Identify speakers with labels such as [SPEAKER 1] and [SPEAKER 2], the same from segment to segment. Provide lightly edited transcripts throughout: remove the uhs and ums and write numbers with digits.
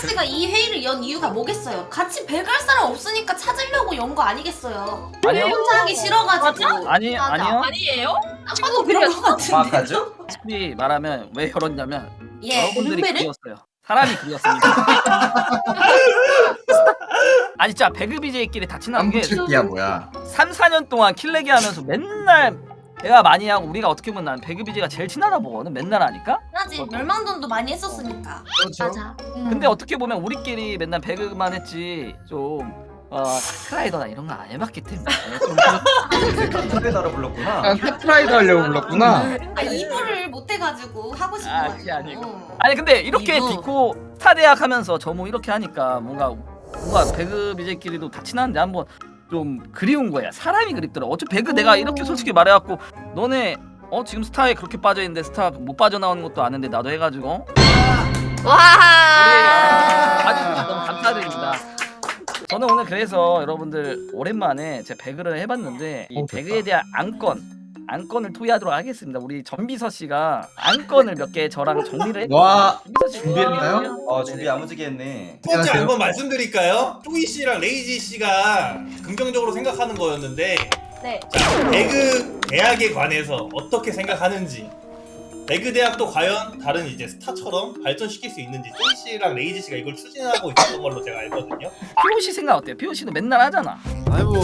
[SPEAKER 1] 씨가 이 회의를 연 이유가 뭐겠어요? 같이 배갈 사람 없으니까 찾으려고 연 거 아니겠어요?
[SPEAKER 2] 아니요.
[SPEAKER 1] 혼자 하기 싫어가지고.
[SPEAKER 2] 아니요.
[SPEAKER 3] 아니에요?
[SPEAKER 1] 딱 봐도 그런 거 같은데.
[SPEAKER 4] 정확하죠?
[SPEAKER 2] 솔직히 말하면 왜 열었냐면
[SPEAKER 1] 예.
[SPEAKER 2] 여러분들이
[SPEAKER 1] 룸메를?
[SPEAKER 2] 그리웠어요. 사람이 그리웠습니다. 아니 진짜 배그 BJ끼리 다 친한 게
[SPEAKER 4] 깜부채기야 뭐야?
[SPEAKER 2] 3, 4년 동안 킬레기 하면서 맨날 내가 많이 하고 우리가 어떻게 보면 난 배그 BJ가 제일 친하다 보거든. 맨날 하니까.
[SPEAKER 1] 하지. 멸망전도 많이 했었으니까.
[SPEAKER 4] 그렇죠.
[SPEAKER 1] 맞아.
[SPEAKER 2] 근데 어떻게 보면 우리끼리 맨날 배그만 했지 좀 카트라이더나 이런 거 안 해봤기 때문에 좀
[SPEAKER 4] 카트라이더를 불렀구나.
[SPEAKER 5] 아, 카트라이더 하려고 불렀구나.
[SPEAKER 1] 아 이부를 못 해가지고 하고
[SPEAKER 2] 그게
[SPEAKER 1] 싶어가지고.
[SPEAKER 2] 아니고. 아니 근데 이렇게
[SPEAKER 1] 이거.
[SPEAKER 2] 디코 스타 대학 하면서 저뭐 이렇게 하니까 뭔가 배그 BJ끼리도 다 친한데 한번 좀 그리운 거야. 사람이 그립더라. 어차피 배그 내가 이렇게 솔직히 말해갖고 너네 지금 스타에 그렇게 빠져있는데 스타 못 빠져나오는 것도 아는데 나도 해가지고
[SPEAKER 3] 와.
[SPEAKER 2] 아주 너무 감사드립니다. 저는 오늘 그래서 여러분들 오랜만에 제가 배그를 해봤는데 이 배그에 대한 안건을 토의하도록 하겠습니다. 우리 전비서 씨가 안건을 몇 개 저랑 정리를 했고
[SPEAKER 4] 와
[SPEAKER 2] 전비서 씨
[SPEAKER 4] 준비했나요? 준비 야무지게 했네.
[SPEAKER 6] 첫 번째 한번 말씀드릴까요? 쪼이 씨랑 레이지 씨가 긍정적으로 생각하는 거였는데
[SPEAKER 3] 네.
[SPEAKER 6] 자, 배그 대학에 관해서 어떻게 생각하는지 배그 대학도 과연 다른 이제 스타처럼 발전시킬 수 있는지 쪼이 씨랑 레이지 씨가 이걸 추진하고 있었던 걸로 제가 알거든요.
[SPEAKER 2] POC 생각 어때요? POC도 맨날 하잖아.
[SPEAKER 7] 아니 뭐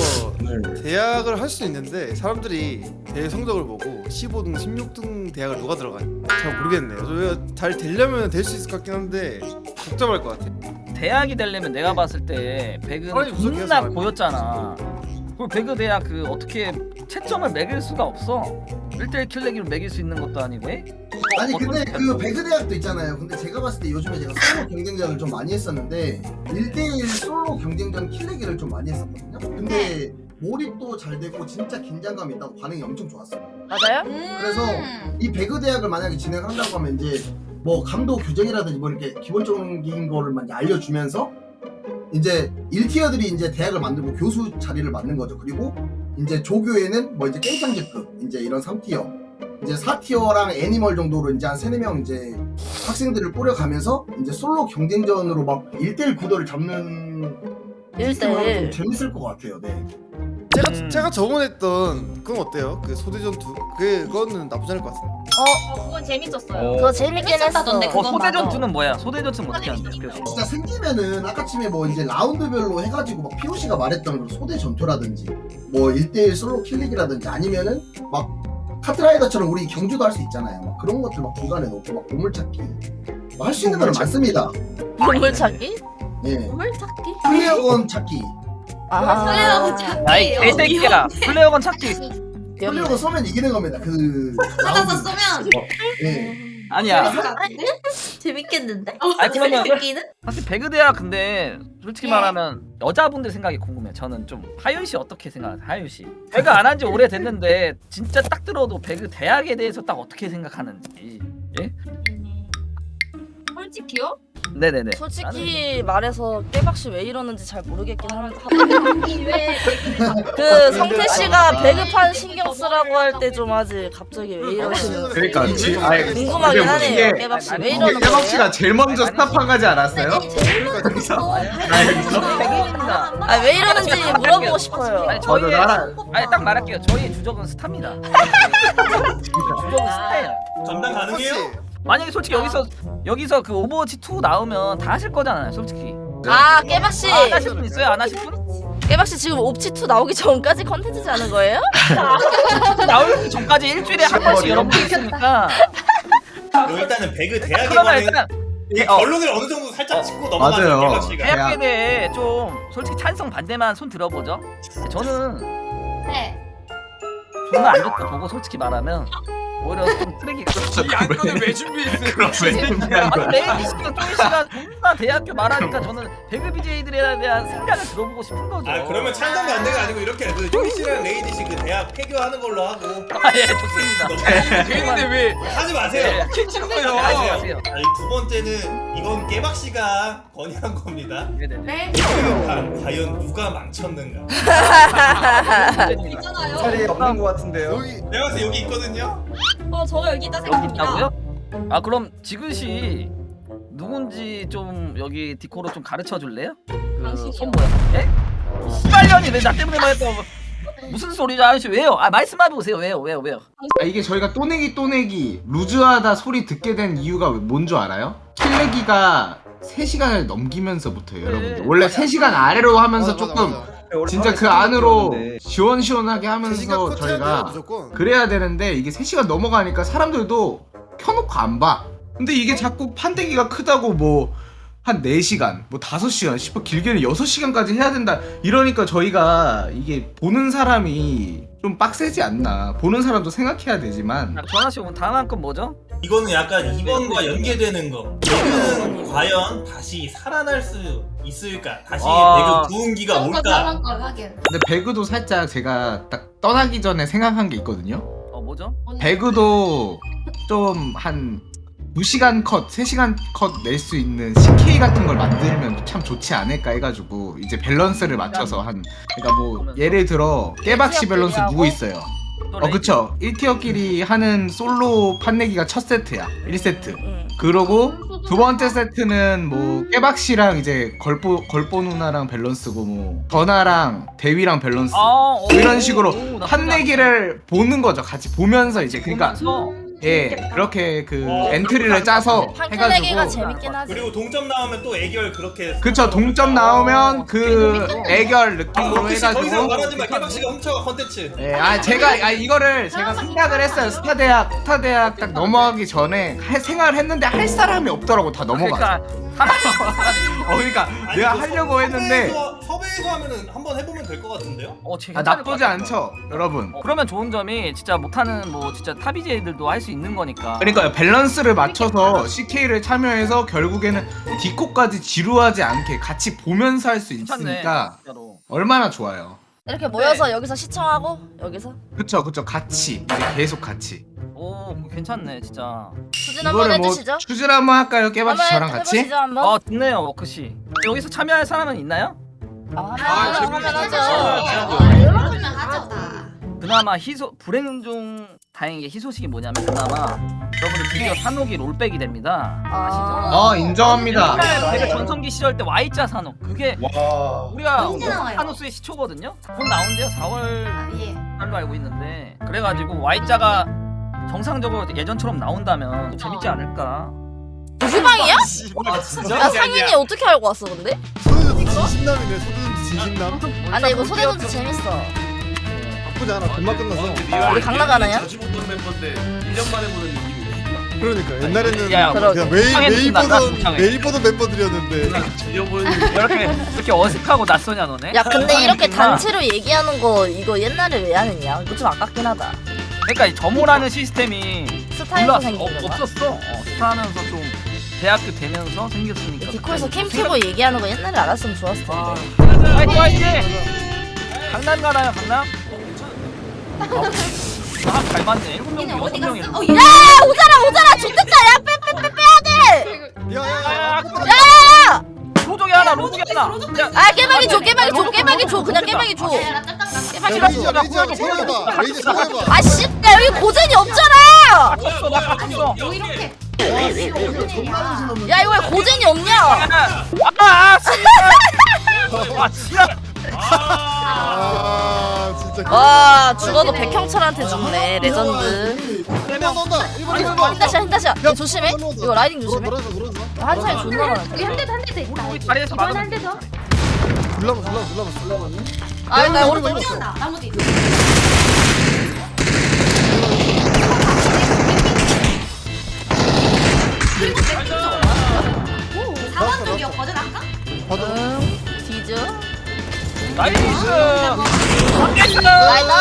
[SPEAKER 7] 대학을 할 수 있는데 사람들이 대회 성적을 보고 15등, 16등 대학을 누가 들어가니? 잘 모르겠네요. 잘 되려면 될 수 있을 것 같긴 한데 복잡할 것 같아.
[SPEAKER 2] 대학이 되려면 내가 봤을 때 배그는
[SPEAKER 7] 사람이
[SPEAKER 2] 존나
[SPEAKER 7] 부족해서
[SPEAKER 2] 고였잖아. 그리고 배그 대학 그 어떻게 채점을 매길 수가 없어. 1대1 킬레기로 매길 수 있는 것도 아니고.
[SPEAKER 8] 아니 근데 그 배그 대학도 있잖아요. 근데 제가 봤을 때 요즘에 제가 솔로 경쟁전을 좀 많이 했었는데 1대1 솔로 경쟁전 킬레기를 좀 많이 했었거든요. 근데 몰입도 잘 되고 진짜 긴장감 있다고 반응이 엄청 좋았어요.
[SPEAKER 3] 맞아요?
[SPEAKER 8] 그래서 이 배그 대학을 만약에 진행한다고 하면 이제 뭐 감독 교정이라든지 뭐 이렇게 기본적인 거를 이제 알려주면서 이제 1티어들이 이제 대학을 만들고 교수 자리를 맡는 거죠. 그리고 이제 조교에는 뭐 이제 깽창제급 이제 이런 3티어 이제 4티어랑 애니멀 정도로 이제 한 3, 4명 이제 학생들을 뿌려가면서 이제 솔로 경쟁전으로 막 1대1 구도를 잡는 시스템을 하면 좀 재밌을 것 같아요. 네.
[SPEAKER 7] 제가 저번에 했던 그건 어때요? 그 소대전투 그거는 나쁘지 않을 것 같습니다.
[SPEAKER 3] 그건 재밌었어요.
[SPEAKER 4] 어.
[SPEAKER 3] 그거 재밌긴 했어.
[SPEAKER 1] 재밌었다던데, 그건
[SPEAKER 2] 소대전투는 뭐야? 소대전투는 어떻게 하는데?
[SPEAKER 8] 진짜 생기면은 아까쯤에 뭐 이제 라운드별로 해가지고 막 POC가 말했던 그런 소대 전투라든지 뭐 1대1 솔로 킬릭이라든지 아니면은 막 카트라이더처럼 우리 경주도 할 수 있잖아요. 막 그런 것들 막 중간에 놓고 막 보물찾기 할 수 있는 거는 많습니다.
[SPEAKER 3] 보물 찾기?
[SPEAKER 8] 예.
[SPEAKER 1] 뭘 찾기?
[SPEAKER 8] 플레이어건 찾기.
[SPEAKER 1] 플레이어건 찾기.
[SPEAKER 2] 아이 개새끼야. 플레이어건 찾기.
[SPEAKER 8] 플레이어건 쏘면 이기는 겁니다. 그
[SPEAKER 1] 찾아서
[SPEAKER 8] 라운드.
[SPEAKER 1] 쏘면
[SPEAKER 8] 예.
[SPEAKER 2] 아니야.
[SPEAKER 1] 재밌을 것 같은데?
[SPEAKER 3] 재밌겠는데?
[SPEAKER 2] 아니 그러면
[SPEAKER 1] 웃기는?
[SPEAKER 2] 사실 배그 대학 근데 솔직히
[SPEAKER 1] 예.
[SPEAKER 2] 말하면 여자분들 생각이 궁금해. 저는 좀 하윤 씨 어떻게 생각하세요? 하윤 씨. 배그 안 한 지 오래 됐는데 진짜 딱 들어도 배그 대학에 대해서 딱 어떻게 생각하는지. 예?
[SPEAKER 3] 솔직히요?
[SPEAKER 2] 네네네.
[SPEAKER 3] 솔직히 말해서 깨박씨 왜 이러는지 잘 모르겠긴 한데
[SPEAKER 1] 왜
[SPEAKER 3] 그 성태 씨가 배급판 신경 쓰라고 할 때 좀 하지 갑자기 왜 이러시는
[SPEAKER 5] 그러니까
[SPEAKER 3] 궁금하긴 하네요.
[SPEAKER 5] 이게
[SPEAKER 3] 깨박씨 왜
[SPEAKER 2] 이게
[SPEAKER 3] 이러는
[SPEAKER 5] 깨박
[SPEAKER 3] 거예요?
[SPEAKER 5] 씨가 제일 먼저 스탑한 가지 않았어요?
[SPEAKER 2] 배그입니다.
[SPEAKER 3] 아 왜 이러는지 물어보고 싶어요.
[SPEAKER 2] 아니 저희의
[SPEAKER 5] 나라
[SPEAKER 2] 아니 딱 말할게요. 저희의 주적은 스타입니다. 주적은 스타예요.
[SPEAKER 6] 전담 가능해요?
[SPEAKER 2] 만약에 솔직히 여기서 그 오버워치 2 나오면 다 하실 거잖아요, 솔직히.
[SPEAKER 3] 아 깨박씨
[SPEAKER 2] 안 하실 분 있어요? 안 하실 분?
[SPEAKER 3] 깨박씨 지금 옵치2 나오기 전까지 컨텐츠지 않은 거예요?
[SPEAKER 2] 나오기 전까지 일주일에 한 번씩 여러분들 있으니까.
[SPEAKER 6] 그럼 일단은 배그 대학에
[SPEAKER 2] 그러면
[SPEAKER 6] 관한
[SPEAKER 2] 일단
[SPEAKER 6] 이 결론을 어느 정도 살짝 짚고 넘어가는
[SPEAKER 5] 맞아요.
[SPEAKER 6] 깨박 씨가.
[SPEAKER 2] 대학에 대해 좀 솔직히 찬성 반대만 손 들어보죠. 저는
[SPEAKER 1] 네.
[SPEAKER 2] 존나 안 좋다 보고 솔직히 말하면 오히려 좀 쓰레기고.
[SPEAKER 9] 이 안건을 왜 준비했어요?
[SPEAKER 5] 그럼 왜 준비한 거야?
[SPEAKER 2] 레이디 씨랑 쪼이 씨가 존나 대학교 말하니까 저는 배그 BJ들에 대한 생각을 들어보고 싶은 거죠.
[SPEAKER 6] 아 그러면 찬성 반대가 아니고 이렇게 그 쪼이 씨랑 레이지 씨 그 대학 폐교하는 걸로 하고
[SPEAKER 2] 예, 좋습니다.
[SPEAKER 9] 되는데 왜
[SPEAKER 6] 하지 마세요.
[SPEAKER 9] 캐치는
[SPEAKER 6] 하지
[SPEAKER 9] 거예요?
[SPEAKER 2] 마세요.
[SPEAKER 6] 아니, 두 번째는 이건 깨박 씨가 건의한 겁니다.
[SPEAKER 2] 네네네.
[SPEAKER 1] 네.
[SPEAKER 6] 배그판 과연 누가 망쳤는가?
[SPEAKER 1] 있잖아요.
[SPEAKER 4] 자리에 없는 것 같은데요.
[SPEAKER 7] 여기
[SPEAKER 6] 내가 봤을 때 여기 있거든요.
[SPEAKER 3] 저가 여기 있다
[SPEAKER 2] 여기 있다고요? 아 그럼 지그시 누군지 좀 여기 디코로 좀 가르쳐 줄래요? 그손 뭐야? 예? 씨발년이 왜 나 때문에 말했어? 무슨 소리죠 아저씨 왜요? 아 말씀해 보세요 왜요?
[SPEAKER 5] 아, 이게 저희가 또내기 루즈하다 소리 듣게 된 이유가 뭔 줄 알아요? 킬레기가 3시간을 넘기면서부터예요 여러분들. 원래 3시간 아래로 하면서 조금 진짜 그 안으로 시원시원하게 하면서 저희가 그래야 되는데 이게 3시간 넘어가니까 사람들도 켜놓고 안 봐. 근데 이게 자꾸 판때기가 크다고 뭐 한 4시간, 뭐 5시간, 싶어 길게는 6시간까지 해야 된다 이러니까 저희가 이게 보는 사람이 좀 빡세지 않나. 보는 사람도 생각해야 되지만.
[SPEAKER 2] 전화씨 오늘 다음 한 건 뭐죠?
[SPEAKER 6] 이거는 약간 이번과 연계되는 거. 배그는 과연 다시 살아날 수 있을까? 다시 배그 부흥기가 올까?
[SPEAKER 5] 근데 배그도 살짝 제가 딱 떠나기 전에 생각한 게 있거든요.
[SPEAKER 2] 뭐죠?
[SPEAKER 5] 배그도 좀 한 2시간 컷, 3시간 컷 낼 수 있는 CK 같은 걸 만들면 참 좋지 않을까 해가지고 이제 밸런스를 맞춰서 한 그러니까 뭐 예를 들어 깨박씨 밸런스 누구 있어요? 그쵸 1티어끼리 하는 솔로 판내기가 첫 세트야 1세트 그러고 두 번째 세트는 뭐 깨박씨랑 이제 걸보 누나랑 밸런스고 뭐 전화랑 대위랑 밸런스 이런 식으로 판내기를 보는 거죠 같이 보면서 이제 그러니까 예 그렇게 그 엔트리를 짜서
[SPEAKER 3] 판내기가
[SPEAKER 5] 해가지고
[SPEAKER 3] 재밌긴 하지.
[SPEAKER 6] 그리고 동점 나오면 또 애결 그렇게.
[SPEAKER 5] 그쵸 동점 나오면 그 애결 느낌으로
[SPEAKER 6] 더 이상
[SPEAKER 5] 해가지고
[SPEAKER 6] 말하지 마. 깨박씨가 훔쳐가 컨텐츠.
[SPEAKER 5] 예, 제가 이거를 제가 생각을 했어요. 스타대학 딱 넘어가기 전에 생각을 했는데 할 사람이 없더라고 다 넘어가. 그러니까 내가 하려고 했는데
[SPEAKER 6] 섭외해서 하면은 한번 해보면 될 것 같은데요?
[SPEAKER 5] 나쁘지 않죠, 여러분.
[SPEAKER 2] 그러면 좋은 점이 진짜 못하는 뭐 진짜 탑이제이들도 할 수 있는 거니까.
[SPEAKER 5] 그러니까 밸런스를 맞춰서 CK를 참여해서 결국에는 디코까지 지루하지 않게 같이 보면서 할 수 있으니까 얼마나 좋아요.
[SPEAKER 3] 이렇게 모여서 여기서 시청하고 여기서
[SPEAKER 5] 그쵸 같이 이제 계속 같이.
[SPEAKER 2] 오 괜찮네 진짜.
[SPEAKER 3] 추진 한번
[SPEAKER 5] 이거를 뭐
[SPEAKER 3] 해주시죠.
[SPEAKER 5] 추진 한번 할까요, 깨박씨 저랑 같이?
[SPEAKER 3] 해보시죠 한번.
[SPEAKER 2] 좋네요 워크씨. 여기서 참여할 사람은 있나요?
[SPEAKER 3] 하면 하죠.
[SPEAKER 1] 그러면 하죠 다.
[SPEAKER 2] 그나마 불행 중 다행인 게 희소식이 뭐냐면 그나마 여러분들 드디어 산옥이 롤백이 됩니다. 아시죠?
[SPEAKER 5] 인정합니다.
[SPEAKER 2] 제가 전성기 시절 때 Y자 산옥 그게 우리가
[SPEAKER 1] 언제 나와요?
[SPEAKER 2] 산옥수의 시초거든요. 곧 나온대요 4월
[SPEAKER 1] 예.
[SPEAKER 2] 달로 알고 있는데 그래가지고 Y자가 정상적으로 예전처럼 나온다면 재밌지 않을까.
[SPEAKER 3] 무수방이야?
[SPEAKER 4] 아 진짜?
[SPEAKER 3] 야 상인이 어떻게 알고 왔어 근데?
[SPEAKER 7] 소대전지 진심남이네. 소대전지 진심남.
[SPEAKER 3] 아 근데 이거 소대전지 재밌어.
[SPEAKER 7] 나쁘지 않아. 금방 끝났어.
[SPEAKER 3] 우리 강 나가나요?
[SPEAKER 7] 그러니까 옛날에는
[SPEAKER 2] 야,
[SPEAKER 7] 그냥 매일
[SPEAKER 2] 상해.
[SPEAKER 7] 매일 보던 멤버들이었는데.
[SPEAKER 2] 이렇게 어색하고 낯서냐 너네?
[SPEAKER 3] 야 근데 이렇게
[SPEAKER 2] 그렇구나.
[SPEAKER 3] 단체로 얘기하는 거 이거 옛날에 왜 하느냐? 이거 좀 아깝긴 하다.
[SPEAKER 2] 그러니까 이 점호라는 시스템이
[SPEAKER 3] 스타에서 생긴 거야.
[SPEAKER 2] 없었어. 스타하면서 좀 대학교 되면서 생겼으니까.
[SPEAKER 3] 디코에서 캠 키고 얘기하는 거 옛날에 알았으면 좋았을 텐데.
[SPEAKER 2] 화이팅! 강남 가나요 강남? 잘 맞네. 7명,
[SPEAKER 1] 얘네 어디
[SPEAKER 2] 6명이.
[SPEAKER 1] 갔어?
[SPEAKER 3] 야 오잖아 좋댔다. 야 빼야 돼.
[SPEAKER 7] 야야야.
[SPEAKER 3] 야야야.
[SPEAKER 2] 로족이 하나. 야,
[SPEAKER 3] 아 깨박이 줘 그냥 깨박이 줘.
[SPEAKER 1] 야, 나 잠깐 나.
[SPEAKER 3] 깨박이
[SPEAKER 7] 레이저
[SPEAKER 3] 줘.
[SPEAKER 7] 소해봐. 레이저 소해봐.
[SPEAKER 3] 아씨 야 여기 고젠이 없잖아.
[SPEAKER 2] 갇혔어 나 갇혔어.
[SPEAKER 1] 뭐 이렇게.
[SPEAKER 3] 야 이거 왜 고젠이 없냐?
[SPEAKER 2] 진짜.
[SPEAKER 7] 아 진짜.
[SPEAKER 3] 와 죽어도 백형철한테 죽네 레전드.
[SPEAKER 7] 1번 온다. 1번
[SPEAKER 3] 힌다시야 야, 조심해. 이거 라이딩 조심해.
[SPEAKER 7] 놀아줘.
[SPEAKER 3] 한 차에 존나 많아.
[SPEAKER 1] 우리 한 대도 더 있다.
[SPEAKER 2] 우리 다리에서
[SPEAKER 1] 이번
[SPEAKER 2] 막으면
[SPEAKER 1] 한대 더.
[SPEAKER 7] 불러봐.
[SPEAKER 3] 나 오른쪽
[SPEAKER 1] 뛰어온다. 나무 뒤. 그리고 오 4번 쪽이었거든 아까?
[SPEAKER 3] 응 디즈.
[SPEAKER 2] 나이스.
[SPEAKER 3] 나이스.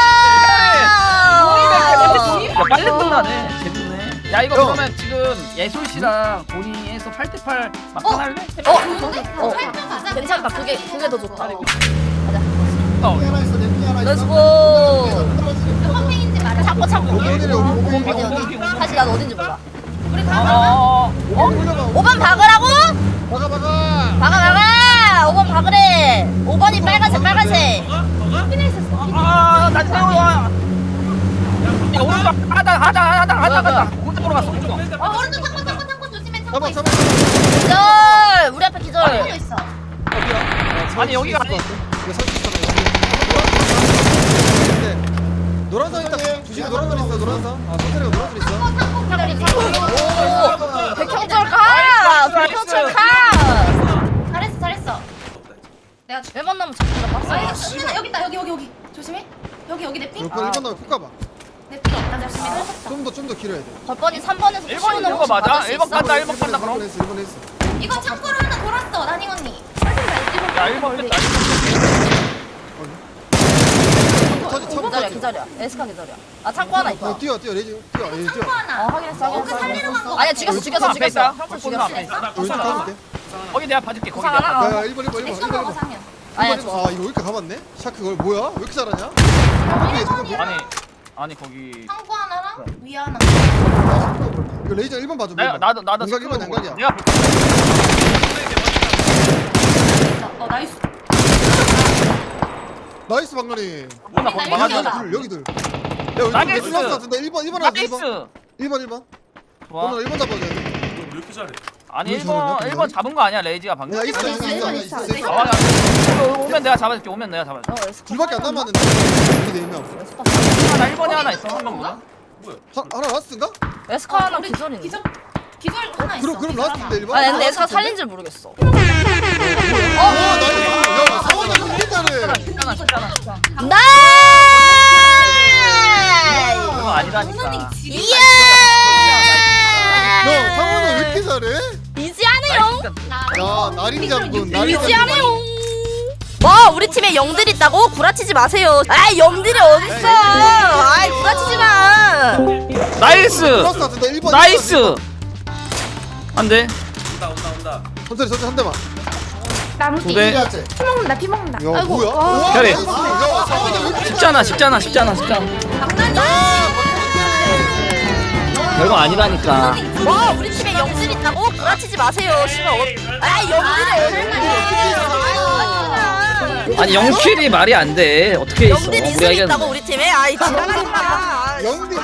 [SPEAKER 2] 야 빨리 끝나네. 재밌네. 야 이거 그러면 지금 예솔 씨랑 본인이 해서 8대8 막판 할래?
[SPEAKER 3] 어
[SPEAKER 1] 활동 가자.
[SPEAKER 3] 괜찮다. 그게 더 좋다.
[SPEAKER 7] 하나 있어. 내 하나 있어.
[SPEAKER 3] 렛츠고.
[SPEAKER 1] 몇 번생인지 말해.
[SPEAKER 3] 찾고
[SPEAKER 7] 오번이래.
[SPEAKER 3] 사실 난 어딘지 몰라.
[SPEAKER 1] 우리 가봐.
[SPEAKER 3] 5번 박으라고? 박아 5번 박으래. 5번이 빨간색
[SPEAKER 1] 확인해 있었어.
[SPEAKER 2] 나 태워야. 야 오른쪽 하다. 오른쪽으로 갔어. 오른쪽.
[SPEAKER 1] 오른쪽 창고 조심해. 창고
[SPEAKER 7] 잡아 잡아.
[SPEAKER 3] 기절. 우리 앞에 기절.
[SPEAKER 1] 어디도 있어.
[SPEAKER 2] 아니, 여기가 아니-
[SPEAKER 7] 이거 살수 있잖아. 노란선 있다. 주식 노란선 있어. 노란선. 아 선택이가 노란선 있어.
[SPEAKER 3] 백형철 가. 백형철 가.
[SPEAKER 1] 잘했어 잘했어. 내가
[SPEAKER 3] 왜 만나면 잡히나
[SPEAKER 1] 아니
[SPEAKER 3] 봤어.
[SPEAKER 1] 수민아 여기 있다 여기 조심해. 여기 내 핑.
[SPEAKER 7] 몇 번? 1번 나면 푹 가봐.
[SPEAKER 1] 내 핑 없다 조심해.
[SPEAKER 7] 좀 더 길어야 돼.
[SPEAKER 3] 벌번이 3번에서
[SPEAKER 2] 1번 있는 거 맞아? 1번 간다 1번 간다 그럼.
[SPEAKER 7] 1번 했어. 1번 했어.
[SPEAKER 1] 이거 창고로 하나 돌았어 나닝 언니.
[SPEAKER 2] 야 1번 됐다.
[SPEAKER 7] 터지 쳐.
[SPEAKER 3] 기다려 기다려. 에스카 기다려. 아 창고 하나 있다.
[SPEAKER 7] 뛰어 레이지 뛰어. 얘 뛰어.
[SPEAKER 1] 창고 하나.
[SPEAKER 3] 확인했어
[SPEAKER 1] 그 살리러 간 거.
[SPEAKER 3] 아니야 죽였어 죽였어
[SPEAKER 2] 앞에
[SPEAKER 3] 죽였어.
[SPEAKER 2] 있다.
[SPEAKER 3] 형철
[SPEAKER 2] 꼴등 앞에
[SPEAKER 3] 죽였어.
[SPEAKER 2] 있어.
[SPEAKER 7] 왼쪽 가면 돼.
[SPEAKER 2] 거기 내가 봐줄게. 거기
[SPEAKER 3] 구상
[SPEAKER 2] 내가.
[SPEAKER 3] 하나.
[SPEAKER 7] 야 1번 1번 1번
[SPEAKER 1] 액션
[SPEAKER 7] 1번
[SPEAKER 1] 먹어
[SPEAKER 7] 1번.
[SPEAKER 1] 상현.
[SPEAKER 3] 아니야
[SPEAKER 7] 아 이거 여기까지 가봤네? 샤크 그걸 뭐야? 왜 이렇게 잘하냐?
[SPEAKER 2] 아니 거기
[SPEAKER 1] 창고 하나랑 위 하나.
[SPEAKER 7] 이거 레이저 1번 봐줘.
[SPEAKER 2] 내가 나도
[SPEAKER 7] 양각 1번
[SPEAKER 2] 스크롤
[SPEAKER 7] 양각이야.
[SPEAKER 2] 내가
[SPEAKER 1] 나이스.
[SPEAKER 7] 나이스 방간이.
[SPEAKER 2] 하나 거기 막아줘.
[SPEAKER 1] 여기다.
[SPEAKER 7] 여기들. 야 여기
[SPEAKER 2] 나이스.
[SPEAKER 7] 플러스 같은데 1번 하자 1번.
[SPEAKER 2] 나이스.
[SPEAKER 7] 1번.
[SPEAKER 2] 좋아.
[SPEAKER 7] 오늘 1번 잡아야 돼.
[SPEAKER 2] 아니
[SPEAKER 7] 왜 저러냐,
[SPEAKER 2] 1번 잡은 거 아니야 레이지가 방금.
[SPEAKER 7] 야 있어.
[SPEAKER 1] 있어.
[SPEAKER 2] 아, 오면 내가 잡아줄게. 오면 내가 잡아줄게.
[SPEAKER 3] 에스카
[SPEAKER 7] 둘밖에 안 남았는데. 여기 4명.
[SPEAKER 2] 하나 1번에 하나 있어. 한 명보다.
[SPEAKER 7] 하나 라스트인가?
[SPEAKER 3] 에스카 하나
[SPEAKER 1] 우리
[SPEAKER 3] 기절이네.
[SPEAKER 1] 기절 하나 있어.
[SPEAKER 7] 그럼
[SPEAKER 1] 기절
[SPEAKER 7] 라스트인데 1번?
[SPEAKER 3] 아 근데 에스카 살린 줄 모르겠어.
[SPEAKER 7] 와 나이스. 야 상원이 이렇게 잘해.
[SPEAKER 2] 쉽잖아.
[SPEAKER 3] 나이스.
[SPEAKER 2] 그거 아니라니까.
[SPEAKER 3] 이야.
[SPEAKER 7] 야 상원이 왜 이렇게 잘해?
[SPEAKER 3] 이지하네요.
[SPEAKER 7] 야 나린 장군
[SPEAKER 3] 이지하네요. 뭐 우리 팀에 영들 있다고 구라치지 마세요. 아 영들이 어딨어? 아이 구라치지 마.
[SPEAKER 2] 나이스.
[SPEAKER 7] 플러스 같은데 1번.
[SPEAKER 2] 나이스. 안돼.
[SPEAKER 7] 천천히 한 대만.
[SPEAKER 2] 두 대.
[SPEAKER 1] 피 먹는다 피 먹는다.
[SPEAKER 7] 야 뭐야? 와,
[SPEAKER 2] 캐리.
[SPEAKER 7] 나이스. 야 상원이 왜 이렇게
[SPEAKER 2] 쉽잖아. 별거 아니라니까.
[SPEAKER 3] 뭐 우리 팀에 영들 있다고 구라치지 마세요. 씨발 아 영들이
[SPEAKER 2] 아니 0킬이 말이 안 돼. 어떻게 있어?
[SPEAKER 3] 영들
[SPEAKER 2] 우리가
[SPEAKER 3] 인생 있다고
[SPEAKER 2] 이겼는데.
[SPEAKER 3] 우리 팀에 아이 지랄하지 마.
[SPEAKER 7] 영디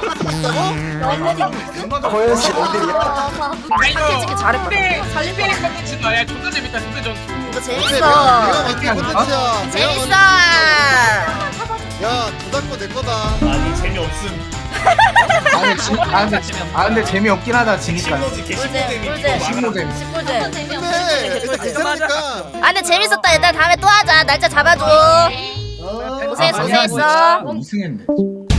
[SPEAKER 3] 솔직히 잘했거든.
[SPEAKER 9] 콘텐츠다. 야 존나 재밌다. 근데 전
[SPEAKER 3] 이거
[SPEAKER 7] 내가
[SPEAKER 3] 재밌어.
[SPEAKER 7] 만든 콘텐츠야.
[SPEAKER 3] 재밌어.
[SPEAKER 7] 야 저작권 내 거다.
[SPEAKER 6] 아니 재미없음.
[SPEAKER 5] 근데 재미없긴 하다 지니까.
[SPEAKER 6] 신노지 개신노잼이
[SPEAKER 3] 꿀잼.
[SPEAKER 5] 신노잼.
[SPEAKER 3] 식꿀잼.
[SPEAKER 7] 근데 일단 괜찮으니까.
[SPEAKER 3] 아 근데 재밌었다. 얘들아 다음에 또 하자. 날짜 잡아줘. 고생했어.
[SPEAKER 5] 이승했네.